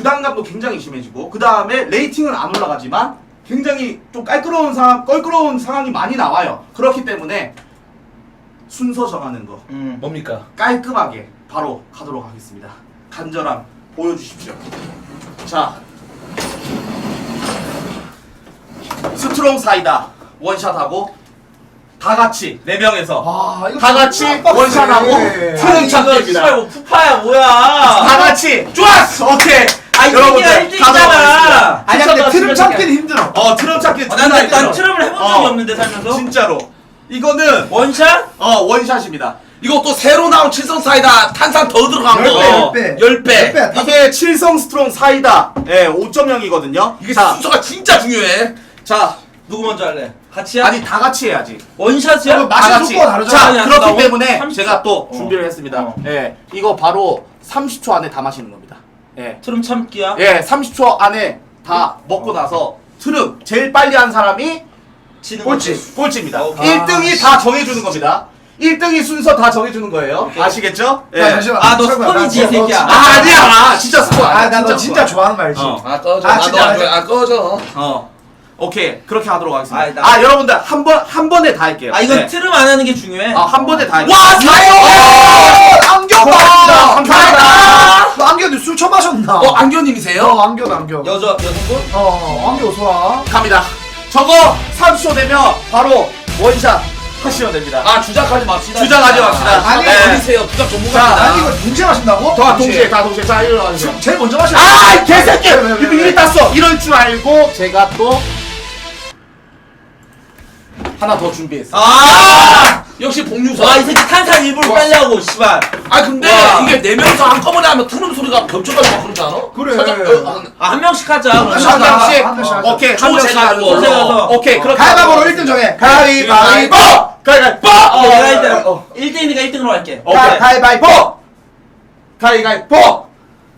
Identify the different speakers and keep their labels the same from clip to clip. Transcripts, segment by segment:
Speaker 1: 부담감도 굉장히 심해지고 그 다음에 레이팅은 안 올라가지만 굉장히 좀 껄끄러운 상황이 많이 나와요. 그렇기 때문에 순서 정하는 거
Speaker 2: 뭡니까?
Speaker 1: 깔끔하게 바로 가도록 하겠습니다. 간절함 보여주십시오. 자, 스트롱 사이다 원샷하고 다 같이 4명에서
Speaker 3: 아, 이거
Speaker 1: 다 같이 원샷하고 트름 찾기입니다.
Speaker 4: 씨발 뭐 푸파야 뭐야?
Speaker 1: 다 같이 좋았어. 오케이.
Speaker 4: 아
Speaker 1: 여러분들
Speaker 4: 이게 1등이잖아.
Speaker 3: 아니야, 근데 트름 찾기는 힘들어.
Speaker 1: 트럼 찾기
Speaker 4: 난 트럼을 해본 적이 없는데 살면서.
Speaker 1: 진짜로 이거는
Speaker 4: 원샷?
Speaker 1: 원샷입니다.
Speaker 2: 이거 또 새로 나온 칠성 사이다 탄산 더 들어간 거.
Speaker 3: 10배.
Speaker 2: 10배.
Speaker 1: 이게 칠성 스트롱 사이다 5.0이거든요.
Speaker 2: 이게
Speaker 1: 자,
Speaker 2: 순서가 진짜 중요해.
Speaker 1: 자,
Speaker 4: 누구 먼저 할래? 같이야?
Speaker 1: 아니 다 같이 해야지.
Speaker 4: 원샷이야?
Speaker 3: 이거 맛이
Speaker 1: 다 같이.
Speaker 3: 속도가 다르잖아.
Speaker 1: 자,
Speaker 4: 아니야, 나
Speaker 1: 그렇기
Speaker 4: 원-
Speaker 1: 때문에
Speaker 4: 30초.
Speaker 1: 제가 또 준비를 했습니다. 예, 이거 바로 30초 안에 다 마시는 겁니다. 예,
Speaker 4: 트럼 참기야?
Speaker 1: 30초 안에 다 먹고 나서 트름 제일 빨리 한 사람이
Speaker 4: 지는 거지.
Speaker 1: 꼴찌입니다.
Speaker 4: 오케이.
Speaker 1: 1등이 다 정해주는 겁니다. 1등이 순서 다 정해주는 거예요. 아시겠죠? 예.
Speaker 3: 야, 잠시만.
Speaker 4: 아, 너
Speaker 3: 설마,
Speaker 4: 스폰이지,
Speaker 3: 나
Speaker 4: 이 새끼야.
Speaker 1: 아니야, 진짜 스포 아니야.
Speaker 3: 나 너
Speaker 1: 스포
Speaker 3: 진짜
Speaker 1: 아니야.
Speaker 3: 좋아하는 거 알지?
Speaker 2: 아 꺼져.
Speaker 3: 아,
Speaker 2: 나도
Speaker 3: 진짜
Speaker 2: 안 좋아해. 아 꺼져.
Speaker 1: 오케이, 그렇게 하도록 하겠습니다.
Speaker 4: 나-
Speaker 1: 여러분들 한 번에 다 할게요.
Speaker 4: 아 이건
Speaker 1: 네.
Speaker 4: 트럼 안 하는 게 중요해.
Speaker 1: 한 번에 다 할게요.
Speaker 2: 와 사요.
Speaker 3: 안경
Speaker 1: 와,
Speaker 3: 받았다.
Speaker 1: 감사합니다.
Speaker 3: 너 안경 술 처음 마셨나?
Speaker 2: 안교님이세요?
Speaker 3: 안경.
Speaker 4: 여성분?
Speaker 3: 안경 좋아.
Speaker 1: 갑니다. 저거 30초 되면 바로 원샷 하시면 됩니다.
Speaker 2: 아 주작하지 맙시다.
Speaker 1: 주작하지 맙시다.
Speaker 3: 아니,
Speaker 1: 네.
Speaker 2: 어디세요? 주작
Speaker 1: 자,
Speaker 2: 전문가입니다.
Speaker 3: 아니 이거 동시에 마신다고?
Speaker 1: 다 동시에 자, 일로 와주세요.
Speaker 3: 지금 제일 먼저 마셔.
Speaker 1: 아, 이 개새끼!
Speaker 3: 왜?
Speaker 1: 이미 땄어. 이럴 줄 알고 제가 또 하나 더 준비했어요.
Speaker 2: 역시 복류사.
Speaker 4: 와 이 새끼 탄산 일부러 빨려고 씨발.
Speaker 2: 아 근데
Speaker 4: 와.
Speaker 2: 이게 4명이서 한꺼번에 하면 트름 소리가 겹쳐가지고 막 그러지 않아?
Speaker 3: 그래.
Speaker 2: 살짝,
Speaker 4: 한 명씩 하자.
Speaker 3: 한 명씩 하자.
Speaker 1: 한 명씩.
Speaker 3: 한 명씩 하자.
Speaker 1: 오케이, 한
Speaker 2: 조
Speaker 1: 명씩
Speaker 2: 제가
Speaker 1: 하는
Speaker 2: 하는 걸로.
Speaker 4: 걸로.
Speaker 1: 오케이, 그렇게.
Speaker 3: 가위바위보로 1등 정해. 가위바위보.
Speaker 1: 가위바위보!
Speaker 4: 내가 1등이니까 1등으로 할게.
Speaker 1: 오케이.
Speaker 3: 가위바위보.
Speaker 1: 가위바위보!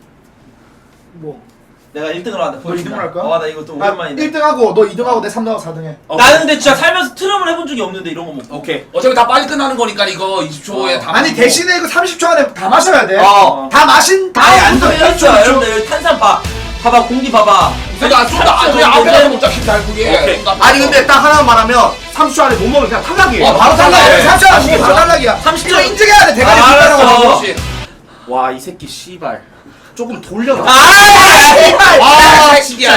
Speaker 3: 뭐?
Speaker 4: 내가 1등으로 한다.
Speaker 3: 너 1등으로 할까?
Speaker 4: 나 이거 좀 오랜만인데.
Speaker 3: 1등하고 너 2등하고 내 3등하고 4등해.
Speaker 4: 나는 근데 진짜 살면서 트럼을 해본 적이 없는데 이런 거 먹고.
Speaker 1: 오케이.
Speaker 2: 어차피 다 빨리 끝나는 거니까 이거 20초에 다
Speaker 3: 아니
Speaker 2: 마시고.
Speaker 3: 대신에 이거 30초 안에 다 마셔야 돼.
Speaker 1: 어.
Speaker 3: 다 마신
Speaker 4: 아니 안
Speaker 3: 다음부터
Speaker 4: 들렸죠.
Speaker 3: 1초.
Speaker 4: 여러분들 여기 탄산 봐봐 공기 봐봐.
Speaker 2: 그러니까 좀더 그냥 앞에서 먹자 김달 그게.
Speaker 1: 오케이. 아니, 근데 딱 하나만 말하면 30초 안에 못 먹으면 그냥 탈락이에요.
Speaker 2: 바로 탈락이야.
Speaker 3: 30초 안에 바로 탈락이야.
Speaker 4: 30초.
Speaker 3: 이거 인증해야 돼. 대가리
Speaker 4: 알았어.
Speaker 3: 빗다라고.
Speaker 1: 와, 이 새끼 씨발. 조금 돌려놔.
Speaker 2: 아 새끼야.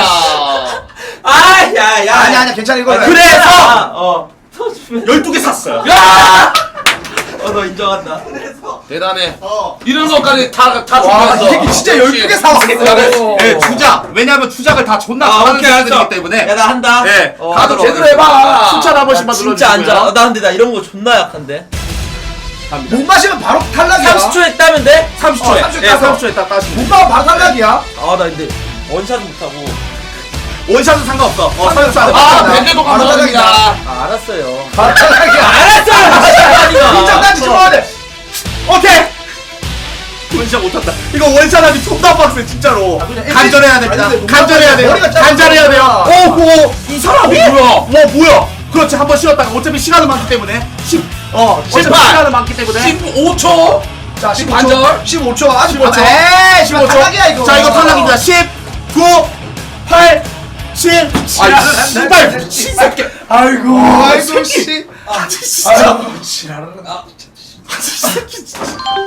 Speaker 4: 아야야.
Speaker 3: 아니 괜찮아 이거.
Speaker 1: 그래서
Speaker 4: 터지면.
Speaker 1: 12개 샀어요.
Speaker 4: 너 인정한다.
Speaker 2: 대단해.
Speaker 1: 어.
Speaker 2: 이런 것까지 다
Speaker 3: 와,
Speaker 2: 준비했어.
Speaker 3: 이 새끼 진짜 12개 사왔어.
Speaker 1: 네, 주작. 왜냐면 주작을 다 존나 잘하는
Speaker 4: 오케이
Speaker 1: 사람들이기
Speaker 4: 알았어.
Speaker 1: 때문에.
Speaker 4: 야나 한다.
Speaker 1: 네.
Speaker 2: 다들 제대로 해봐.
Speaker 1: 칭찬 한 번씩만
Speaker 4: 진짜 안
Speaker 1: 눌러주시고요.
Speaker 4: 자. 나 근데 나 이런 거 존나 약한데.
Speaker 1: 갑니다.
Speaker 3: 못 마시면 바로 탈락이야.
Speaker 4: 30초에 따면 돼?
Speaker 1: 30초에.
Speaker 3: 30초
Speaker 1: 예,
Speaker 3: 따서.
Speaker 1: 30초에 딱 따시면.
Speaker 3: 못 마면 바로 탈락이야.
Speaker 4: 아 나 근데 원샷 못하고.
Speaker 1: 원샷은 상관없어. 30초 안에.
Speaker 2: 아
Speaker 1: 맞잖아.
Speaker 2: 밴드도
Speaker 3: 바로
Speaker 2: 감사합니다.
Speaker 4: 아 알았어요.
Speaker 3: 바로 탈락이야.
Speaker 4: 알았어.
Speaker 3: 인정단지 찍어야 돼.
Speaker 1: 오케이. 원샷 못한다. 이거 원샷하기 존나 빡세 진짜로.
Speaker 3: 그냥
Speaker 1: 간절해야 됩니다.
Speaker 3: 아니, 근데
Speaker 1: 간절해야 돼요.
Speaker 3: 머리가 짧아.
Speaker 1: 간절해야 돼요. 오호. 이 사람이
Speaker 2: 뭐야?
Speaker 1: 와 뭐야? 그렇지, 한번 쉬었다가 어차피 시간은 많기 때문에 18. 시간은 많기 때문에
Speaker 2: 15초.
Speaker 3: 자,
Speaker 2: 반절.
Speaker 3: 15초. 아직
Speaker 1: 15초.
Speaker 3: 에이,
Speaker 1: 15초.
Speaker 3: 탈락이야 이거.
Speaker 1: 자, 이거 탈락입니다. 10, 9, 8, 7.
Speaker 2: 아,
Speaker 1: 씨발 미친 새끼.
Speaker 3: 아이고, 아이고
Speaker 1: 새끼.
Speaker 3: 씨.
Speaker 1: 진짜.
Speaker 3: 아이고, 지랄을.
Speaker 1: 새끼 진짜.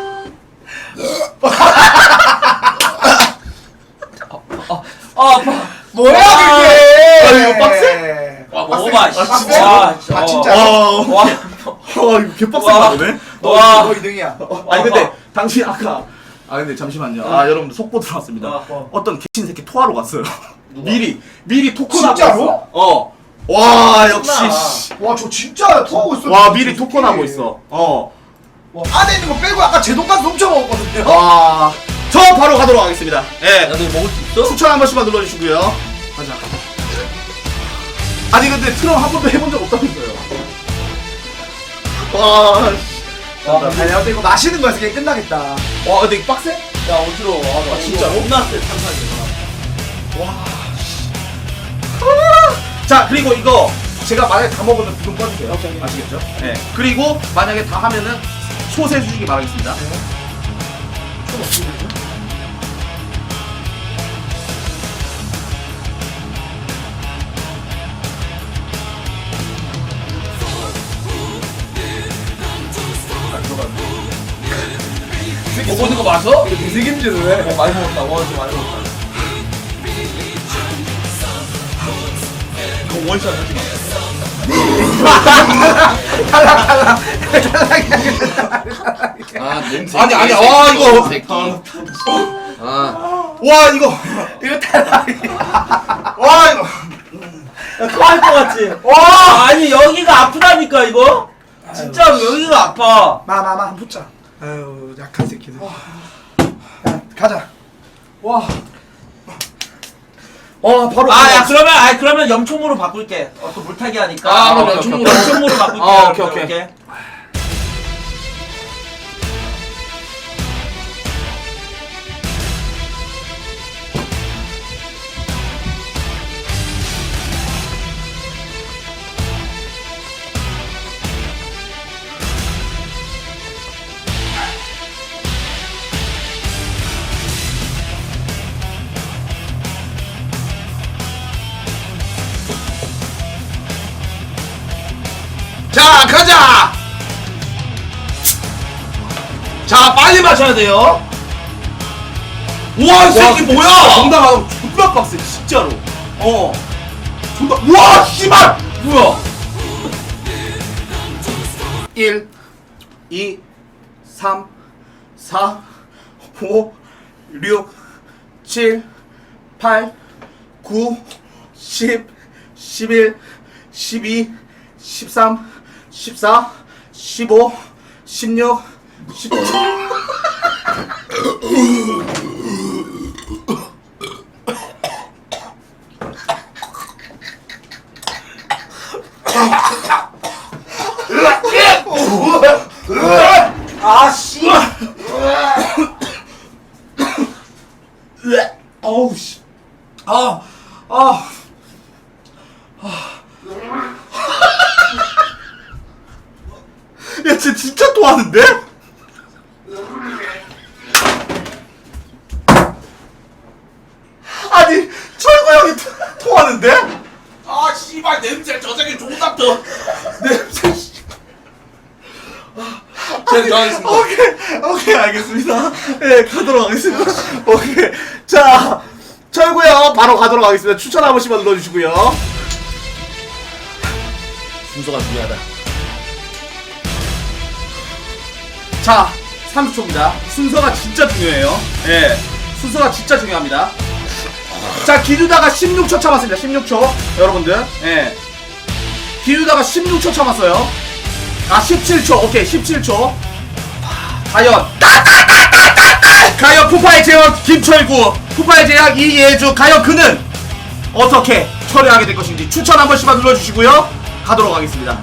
Speaker 4: 아파.
Speaker 3: 뭐야
Speaker 4: 와.
Speaker 3: 그게?
Speaker 1: 아, 이거 빡세?
Speaker 2: 와
Speaker 4: 먹어봐.
Speaker 3: 빡세?
Speaker 4: 와,
Speaker 3: 아, 진짜?
Speaker 4: 와.
Speaker 1: 이거 개빡센
Speaker 4: 와.
Speaker 1: 거네.
Speaker 4: 와.
Speaker 3: 너 2등이야.
Speaker 1: 아니 근데 당신 아까 근데 잠시만요. 여러분들 속보 들어왔습니다. 어떤 개친 새끼 토하러 갔어요. 미리 토크나고
Speaker 3: 진짜로?
Speaker 1: 있어. 와 역시. 씨.
Speaker 3: 와, 저 진짜 토하고 있어.
Speaker 1: 와 미리 토크나고 있어.
Speaker 3: 와, 안에 있는 거 빼고 아까 제 돈까지 훔쳐 먹었거든요.
Speaker 1: 와. 저 바로 가도록 하겠습니다. 예.
Speaker 4: 야너 이거 먹을 수 있어?
Speaker 1: 추천 한 번씩만 눌러주시고요. 가자. 아니 근데 트럼 한 번도 해본 적 없다면서요. 와.
Speaker 3: 아니, 근데 이거 마시는 거에서 그냥 끝나겠다.
Speaker 1: 와 근데 이거 빡세?
Speaker 4: 야 어지러워. 아,
Speaker 1: 진짜로?
Speaker 4: 존나 세 탄산이.
Speaker 1: 자 그리고 이거 제가 만약에 다 먹으면 부금 꺼주세요. 아시겠죠? 네. 그리고 만약에 다 하면은 소세 주시기 바라겠습니다.
Speaker 2: 보고 있는 거 맞아?
Speaker 3: 이거 되새김질을 해.
Speaker 4: 많이 먹었다. 와 진짜 많이 먹었다.
Speaker 1: 이거 원샷 하지 마.
Speaker 2: 아 냄새.
Speaker 1: 아니, 와, 이거.
Speaker 2: 새끼. 아
Speaker 1: 와 이거 와 이거
Speaker 4: 토할 것 같지? 와 아니 여기가 아프다니까 이거? 진짜 여기가 아파.
Speaker 3: 마마 한번 붙자. 아유 약한 새끼들. 야, 가자. 와. 바로.
Speaker 4: 야 그러면 염총으로 바꿀게. 또 물타기 하니까.
Speaker 2: 아, 그럼
Speaker 4: 오케이,
Speaker 2: 염총으로.
Speaker 4: 염총으로 바꿀게.
Speaker 1: 오케이.
Speaker 2: 자 가자. 자 빨리 마셔야 돼요. 우와 이 새끼 뭐야?
Speaker 1: 정답 안 존나 빡세 진짜로. 존나 와 씨발
Speaker 2: 뭐야?
Speaker 1: 1 2 3 4 5 6 7 8 9 10 11 12 13 14 15 16 17
Speaker 3: 아씨.
Speaker 1: 어우 씨. 야, 쟤 진짜 토하는데? 아니, 철구 형이 토하는데?
Speaker 2: 아 씨발 냄새 저 새끼 존나 더.
Speaker 1: 냄새.
Speaker 2: 제가 좋아하겠습니다.
Speaker 1: 오케이, 알겠습니다. 예, 가도록 하겠습니다. 오케이. 자, 철구 형 바로 가도록 하겠습니다. 추천 한 번씩만 눌러주시고요.
Speaker 2: 순서가 중요하다.
Speaker 1: 자, 30초입니다. 순서가 진짜 중요해요. 예, 순서가 진짜 중요합니다. 자, 기누다가 16초 참았습니다. 16초. 여러분들. 예. 기누다가 16초 참았어요. 17초. 오케이, 17초. 과연. 과연 푸파의 제왕 김철구, 푸파의 제왕 이예주. 과연 그는 어떻게 처리하게 될 것인지 추천 한 번씩만 눌러주시고요. 가도록 하겠습니다.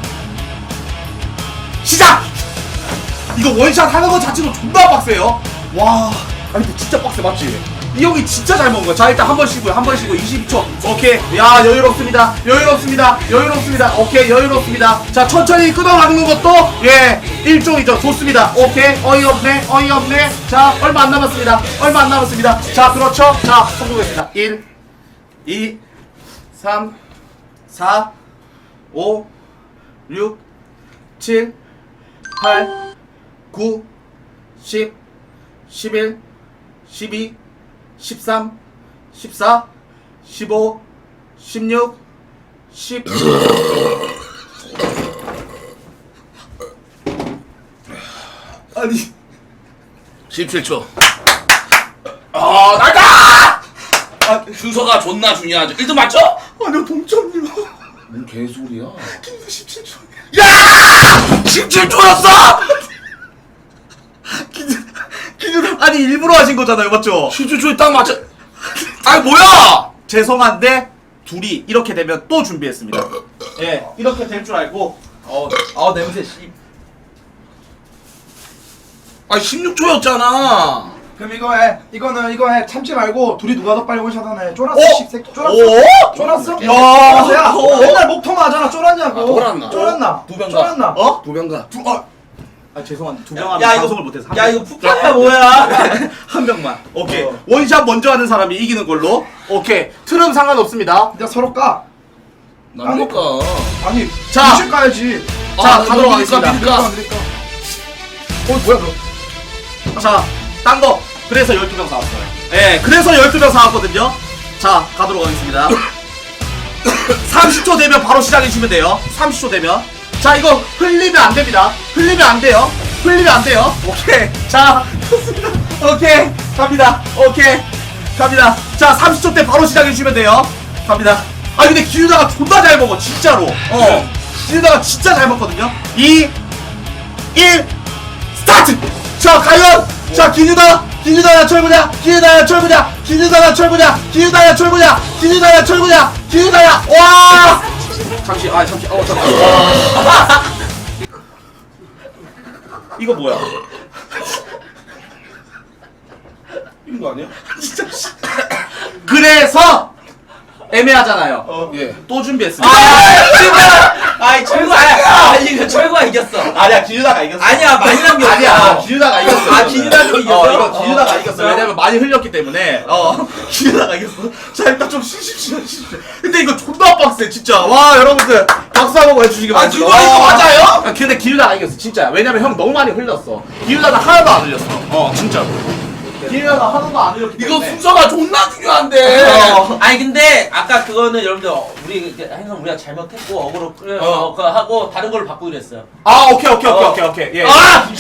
Speaker 1: 시작! 이거 원샷 하는 거 자체도 존나 빡세요. 와, 아니 근데 진짜 빡세 맞지? 이 형이 진짜 잘 먹은 거야. 자, 일단 한 번 쉬고요. 한 번 쉬고 22초. 오케이. 야, 여유롭습니다. 오케이, 여유롭습니다. 자, 천천히 끊어가는 것도 예, 일종이죠. 좋습니다. 오케이. 어이없네. 자, 얼마 안 남았습니다. 자, 그렇죠. 자, 성공했습니다. 1 2 3 4 5 6 7 8 9 10 11 12 13 14 15 16 10 아니
Speaker 2: 17초. 나가! 순서가 존나 중요하죠. 1등 맞죠?
Speaker 1: 아니요 동점이요.
Speaker 2: 뭔 개소리야?
Speaker 1: 17초.
Speaker 2: 야! 17초였어?
Speaker 1: 기준 아니 일부러 하신 거잖아요, 맞죠?
Speaker 2: 17초에 딱 맞춰. 아니 뭐야?
Speaker 1: 죄송한데 둘이 이렇게 되면 또 준비했습니다. 예, 이렇게 될 줄 알고.
Speaker 4: 냄새 씨.
Speaker 2: 아니 16초였잖아.
Speaker 3: 그럼 이거 해. 참지 말고 둘이 누가 더 빨리 원샷하나. 쫄았어,
Speaker 1: 오!
Speaker 3: 씹새끼. 쫄았어.
Speaker 1: 오!
Speaker 3: 쫄았어?
Speaker 1: 야!
Speaker 3: 야, 맨날 목통화 하잖아. 쫄았냐고.
Speaker 2: 쫄았나?
Speaker 3: 쫄았나?
Speaker 2: 두 병가.
Speaker 3: 쫄았나?
Speaker 1: 어?
Speaker 2: 두 병가.
Speaker 1: 죄송한데 두 명 하면
Speaker 4: 야, 이거-
Speaker 1: 방송을 못해서
Speaker 4: 야 이거 푸파야 뭐야?
Speaker 1: 한 명만. 오케이. 원샷 먼저 하는 사람이 이기는 걸로. 오케이. 틀은 상관없습니다.
Speaker 3: 내가 서로 까.
Speaker 2: 나니까.
Speaker 3: 아니,
Speaker 1: 자.
Speaker 3: 자 까야지.
Speaker 1: 자, 가도록 하겠습니다.
Speaker 3: 밀까. 뭐야 너?
Speaker 1: 자, 딴 거. 그래서 12명 사왔어요. 예, 그래서 12명 사왔거든요. 자, 가도록 하겠습니다. 30초 되면 바로 시작해주시면 돼요. 30초 되면. 자, 이거 흘리면 안 됩니다. 흘리면 안 돼요. 흘리면 안 돼요. 오케이. 자, 좋습니다. 오케이. 갑니다. 오케이. 갑니다. 자, 30초 때 바로 시작해주시면 돼요. 갑니다. 아, 근데 기우다가 존나 잘 먹어. 진짜로. 기우다가 진짜 잘 먹거든요. 2, 1, 스타트! 자, 과연! 자, 기누다야 철구냐? 기누다야 철구냐? 기누다야 철구냐? 기누다야 철구냐? 기누다야 철구냐? 기누다야! 와! 잠시, 잠깐. 이거 뭐야?
Speaker 2: 이런 거 아니야?
Speaker 1: 진짜. 그래서 애매하잖아요.
Speaker 2: 예.
Speaker 1: 또 준비했습니다.
Speaker 4: 아이 철구야. 아니 이거 철구가 이겼어.
Speaker 1: 아니야, 기누다가 이겼어.
Speaker 4: 아니야 많이 남겼어.
Speaker 1: 아니야, 기누다가 이겼어.
Speaker 4: 아, 기누다가 이겼어?
Speaker 1: 이거 기누다가 이겼어. 왜냐면 많이 흘렸기 때문에. 기누다가 이겼어. 자, 일단 좀 쉬십시오. 근데 이거 존나 빡세, 진짜. 와, 여러분들 박수 한번 해주시기 바랍니다.
Speaker 2: 누가 이거 맞아요?
Speaker 1: 근데 기누다가 이겼어, 진짜. 왜냐면 형 너무 많이 흘렸어. 기누다는 하나도 안 흘렸어. 진짜로. 기누다가 하나도 안 흘렸기
Speaker 2: 이거
Speaker 1: 때문에.
Speaker 2: 순서가 존나 중요한데.
Speaker 4: 아니 근데 아까 그거는 여러분들 우리 항상 우리가 잘못했고 어그로 그거 하고 다른 걸로 바꾸기로 했어요.
Speaker 1: 오케이. 예.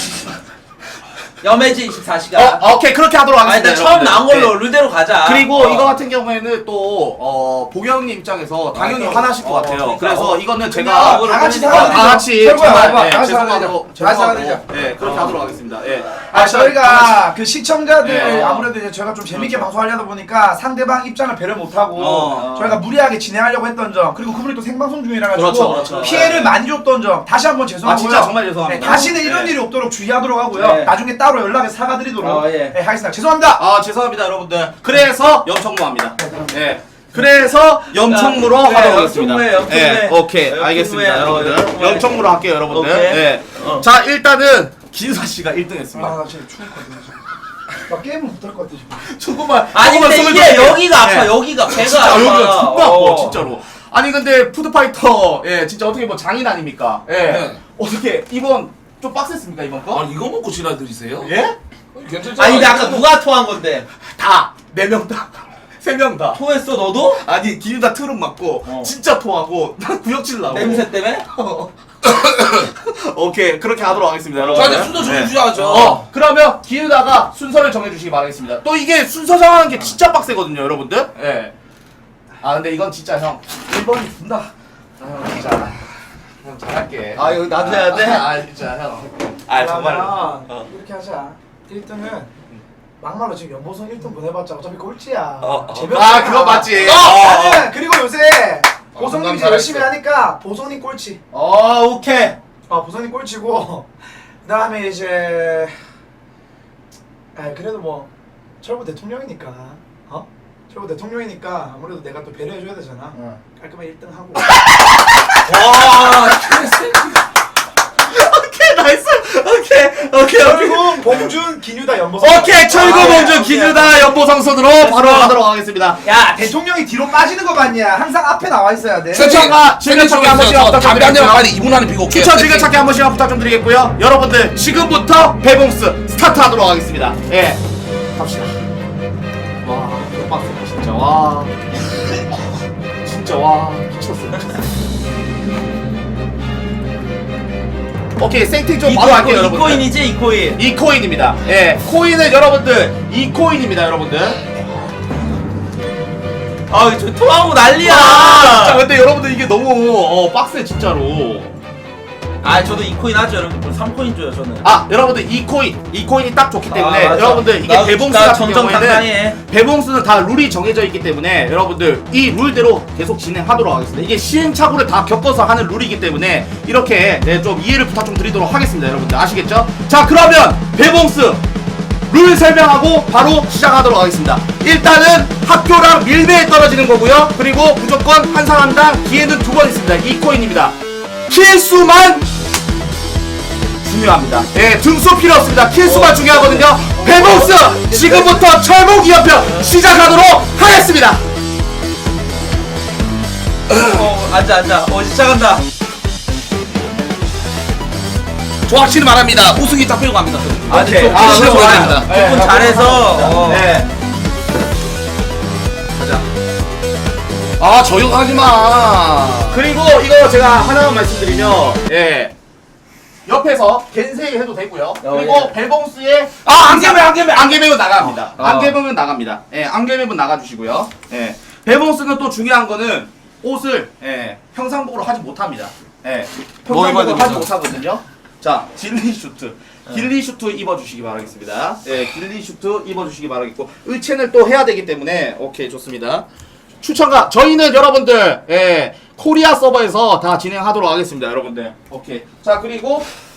Speaker 4: 여매지 24시간.
Speaker 1: 오케이, 그렇게 하도록
Speaker 4: 아니
Speaker 1: 하겠습니다.
Speaker 4: 일단 처음 나온 걸로
Speaker 1: 여러분들.
Speaker 4: 룰대로 가자.
Speaker 1: 그리고 이거 같은 경우에는 또 보경님 입장에서 당연히 화나실 것 같아요.
Speaker 4: 그러니까.
Speaker 1: 그래서 이거는 제가
Speaker 4: 그냥
Speaker 3: 다 같이
Speaker 4: 그러니까.
Speaker 3: 사과드리자.
Speaker 1: 다 같이
Speaker 3: 철구야,
Speaker 1: 정말
Speaker 3: 봐봐. 다 같이
Speaker 1: 죄송하고
Speaker 3: 사과드리자.
Speaker 1: 예, 그렇게 하도록 하겠습니다. 예.
Speaker 3: 저희가 그 시청자들
Speaker 1: 네.
Speaker 3: 아무래도 이제 저희가 좀 재밌게
Speaker 1: 그렇죠.
Speaker 3: 방송하려다 보니까 상대방 입장을 배려 못하고 저희가 무리하게 진행하려고 했던 점, 그리고 그분이 또 생방송 중이라 가지고
Speaker 1: 그렇죠.
Speaker 3: 피해를 많이 줬던 점 다시 한번 죄송하고요.
Speaker 1: 진짜 정말 죄송합니다.
Speaker 3: 다시는 이런
Speaker 1: 네.
Speaker 3: 일이 없도록 주의하도록 하고요.
Speaker 4: 네.
Speaker 3: 나중에 따로 연락해 사과드리도록
Speaker 4: 예.
Speaker 3: 하겠습니다. 죄송합니다.
Speaker 1: 죄송합니다, 여러분들. 그래서 염청무합니다. 예. 그래서 염청무로
Speaker 4: 네,
Speaker 1: 하도록 하겠습니다.
Speaker 4: 염청무에.
Speaker 1: 예, 오케이.
Speaker 4: 염청무에,
Speaker 1: 알겠습니다, 여러분들.
Speaker 4: 염청무에.
Speaker 1: 염청무로 할게요, 여러분들.
Speaker 4: 오케이.
Speaker 1: 예. 자, 일단은 기수사 씨가 1등했습니다.
Speaker 3: 나 진짜 추울 것 같아. 나 게임을 못할 것 같아 지금.
Speaker 1: 조금만.
Speaker 4: 아니
Speaker 1: 조금만
Speaker 4: 근데
Speaker 1: 숨을
Speaker 4: 이게
Speaker 1: 돌릴게요.
Speaker 4: 여기가 아파.
Speaker 1: 예.
Speaker 4: 여기가 배가
Speaker 1: 진짜
Speaker 4: 아파.
Speaker 1: 여기가 존나 아파, 진짜로. 아니 근데 푸드파이터 진짜 어떻게 뭐 장인 아닙니까?
Speaker 2: 네.
Speaker 1: 어떻게 이번 좀 빡셌습니까 이번 거?
Speaker 2: 아니 이거 먹고 지랄들이세요?
Speaker 1: 예?
Speaker 2: 괜찮잖아.
Speaker 4: 아니 근데 아까 누가 토한 건데?
Speaker 1: 다 4명 다. 3명 다.
Speaker 4: 토했어 너도?
Speaker 1: 아니 기누다 트름 맞고 진짜 토하고 난 구역질 나고.
Speaker 4: 냄새 때문에?
Speaker 1: 오케이 그렇게 하도록 하겠습니다 여러분.
Speaker 2: 자 이제 순서 정해주셔야죠.
Speaker 1: 그러면 기누다가 순서를 정해주시기 바라겠습니다. 또 이게 순서 정하는 게 진짜 빡세거든요 여러분들. 예. 근데 이건 진짜 형 1번이 준다. 진짜 형 잘할게.
Speaker 4: 이거 나도 해야 돼?
Speaker 1: 진짜 형.
Speaker 3: 정말 이렇게 하자. 1등은 막말로 지금 연보성 1등 보내봤자 어차피 꼴찌야.
Speaker 1: 그거 맞지.
Speaker 3: 나는 그리고 요새 보성님이
Speaker 2: 공감
Speaker 3: 열심히
Speaker 2: 잘했어.
Speaker 3: 하니까 보성님 꼴찌.
Speaker 1: 오케이.
Speaker 3: 보성님 꼴찌고 그다음에 이제 그래도 뭐 철구 대통령이니까 철구 대통령이니까 아무래도 내가 또 배려해줘야 되잖아. 깔끔하게 1등 하고.
Speaker 1: 오케이 나이스. 오케이.
Speaker 3: 그리고 봉준 기뉴다 연보성.
Speaker 1: 오케이 철구 봉준 기누다 연보성 손으로 바로 가도록 하겠습니다.
Speaker 3: 야 대통령이 뒤로 빠지는 거 봤냐? 항상 앞에 나와 있어야 돼.
Speaker 1: 추천과 즐겨찾기 한 번씩
Speaker 2: 담배 한 대만
Speaker 1: 부탁드리겠고요.
Speaker 2: 빨리 2분 안에 피고 올게요.
Speaker 1: 추천 즐겨찾기 한 번씩 부탁 좀 드리겠고요. 여러분들 지금부터 배봉스 스타트하도록 하겠습니다. 예, 갑시다. 와, 이거 빡세다 진짜. 와, 진짜 와 미쳤어. 오케이 세팅 좀 바로 할게요 여러분들.
Speaker 4: 2코인이지 2코인.
Speaker 1: 2코인입니다. 예, 코인은 여러분들 2코인입니다 여러분들.
Speaker 4: 저 토하고 난리야.
Speaker 1: 진짜 근데 여러분들 이게 너무 빡세 진짜로.
Speaker 4: 저도 2코인 하죠 여러분. 3코인 줘요 저는.
Speaker 1: 여러분들 2코인이 딱 좋기 때문에
Speaker 4: 맞아.
Speaker 1: 여러분들 이게
Speaker 4: 나
Speaker 1: 배봉수
Speaker 4: 나
Speaker 1: 같은
Speaker 4: 정정당당해.
Speaker 1: 경우에는 배봉수는 다 룰이 정해져 있기 때문에 여러분들 이 룰대로 계속 진행하도록 하겠습니다. 이게 시행착오를 다 겪어서 하는 룰이기 때문에 이렇게 좀 이해를 부탁 좀 드리도록 하겠습니다 여러분들 아시겠죠? 자 그러면 배봉수 룰 설명하고 바로 시작하도록 하겠습니다. 일단은 학교랑 밀매에 떨어지는 거고요. 그리고 무조건 한 사람당 기회는 2번 있습니다. 2코인입니다. 킬수만 중요합니다. 예, 등수 필요 없습니다. 킬수가 중요하거든요. 배봉스 지금부터 철봉 2연편 시작하도록 하겠습니다.
Speaker 4: 앉아. 시작한다.
Speaker 2: 조학씨는 말합니다. 우승이 딱 빼고 갑니다.
Speaker 4: 아니,
Speaker 1: 오케이.
Speaker 4: 조금
Speaker 1: 아,
Speaker 2: 그래서
Speaker 1: 좋아요.
Speaker 2: 됩니다.
Speaker 1: 네,
Speaker 4: 조금 잘해서.
Speaker 1: 네. 가자.
Speaker 2: 아, 저용하지 마.
Speaker 1: 그리고 이거 제가 하나만 말씀드리면, 예. 옆에서 겐세 해도 되고요. 그리고
Speaker 4: 예.
Speaker 1: 벨봉스의 안개맵은 나갑니다. 안개맵은 나갑니다. 예, 안개맵은 나가주시고요. 예. 벨봉스는 또 중요한 거는 옷을 예, 평상복으로 하지 못합니다. 예.
Speaker 2: 뭐 입어야
Speaker 1: 평상복으로 하지
Speaker 2: 됩니까?
Speaker 1: 못하거든요. 자, 길리 슈트. 길리 슈트 입어주시기 바라겠습니다. 예, 길리 슈트 입어주시기 바라겠고, 의첸을 또 해야 되기 때문에, 오케이, 좋습니다. 추천가, 저희는 여러분들, 예, 코리아 서버에서 다 진행하도록 하겠습니다, 여러분들. 오케이. 자, 그리고